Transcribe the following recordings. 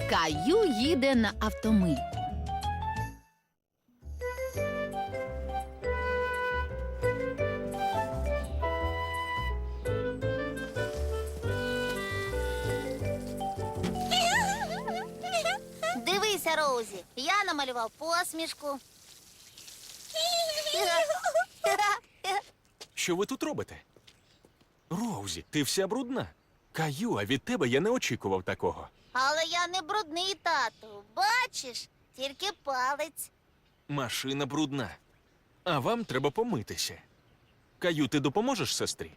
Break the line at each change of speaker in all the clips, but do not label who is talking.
Каю їде на автомийку.
Дивися, Роузі, я намалював посмішку.
Що ви тут робите? Роузі, ти вся брудна. Каю, а від тебе я не очікував такого.
Але я не брудний, тату. Бачиш, тільки палець.
Машина брудна. А вам треба помитися. Каю, ти допоможеш сестрі?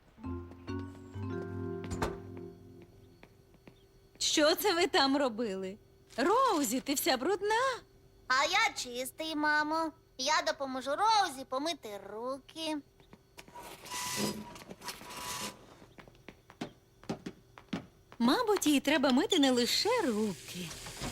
Що це ви там робили? Роузі, ти вся брудна.
А я чистий, мамо. Я допоможу Роузі помити руки.
Мабуть, їй треба мити не лише руки.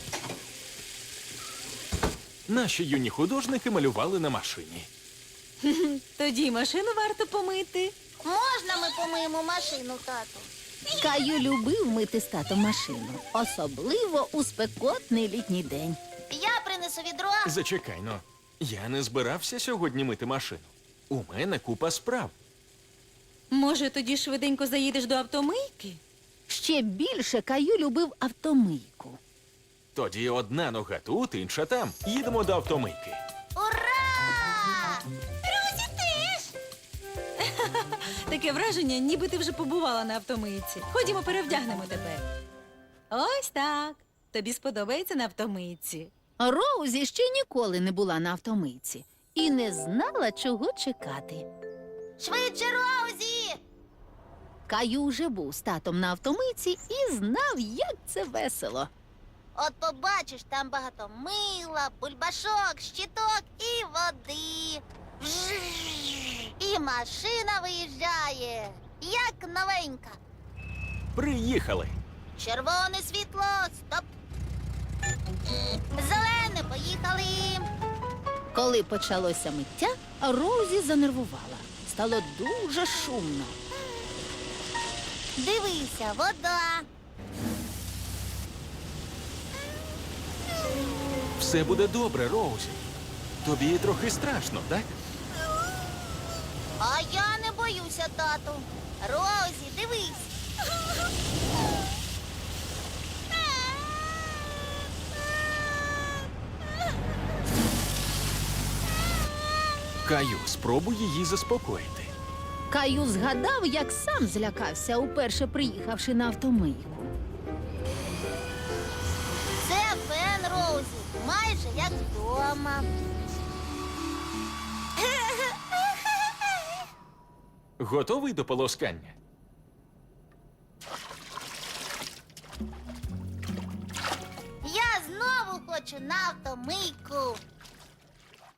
Наші юні художники малювали на машині.
Тоді й машину варто помити.
Можна ми помиємо машину, тату?
Каю любив мити з татом машину, особливо у спекотний літній день.
Я принесу відро.
Зачекай, но. Я не збирався сьогодні мити машину. У мене купа справ.
Може, тоді швиденько заїдеш до автомийки?
Ще більше Каю любив автомийку.
Тоді одна нога тут, інша там. Їдемо до автомийки.
Ура! Розі теж!
Таке враження, ніби ти вже побувала на автомийці. Ходімо, перевдягнемо тебе. Ось так. Тобі сподобається на автомийці.
Роузі ще ніколи не була на автомийці і не знала, чого чекати.
Швидше, Роузі!
Каю вже був з татом на автомийці і знав, як це весело.
От побачиш, там багато мила, бульбашок, щіток і води. Вжж! І машина виїжджає, як новенька.
Приїхали.
Червоне світло, стоп. Зелене, поїхали.
Коли почалося миття, Роузі занервувала. Стало дуже шумно.
Дивися, вода.
Все буде добре, Роузі. Тобі трохи страшно, так?
А я не боюся, тату. Розі, дивись.
Каю, спробуй її заспокоїти.
Каю згадав, як сам злякався, уперше приїхавши на автомийку.
Це фен, Розі, майже як вдома.
Готовий до полоскання?
Я знову хочу на автомийку.